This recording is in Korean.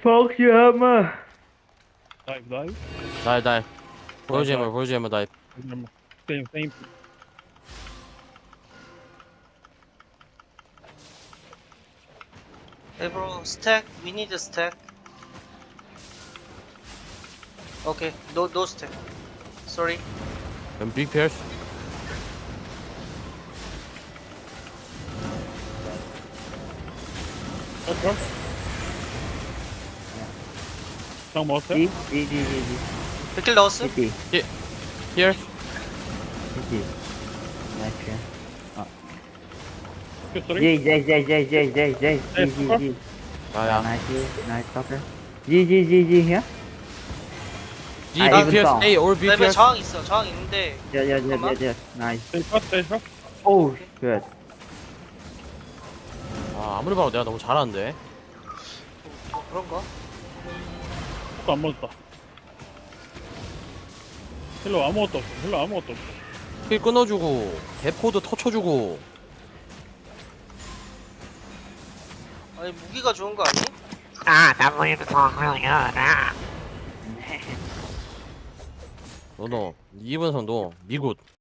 fuck you hammer? Dive. 날 보여주면 날. Remember. Same. Hey bro, stack. We need a stack. Okay, no stack. Sorry. 빅 피어스. Let's 형 먹었어요? D. 백킬 넣었음? D. 피어스. D. 나이스. 소리? J. 아야. Nice fucker. G here. 빅 아, 이분 피어스. 또. A or 빅 그다음에 피어스. 저항 있어. 저항 있는데. Yeah. Nice. Stay shot. Oh, good. 아 아무리 봐도 내가 너무 잘하는데. 그런가? 안 맞았다. 힐러 아무것도 없어. 킬 끊어주고 대포도 터쳐주고. 아니 무기가 좋은 거 아니? 너너 이번 선도 미굿.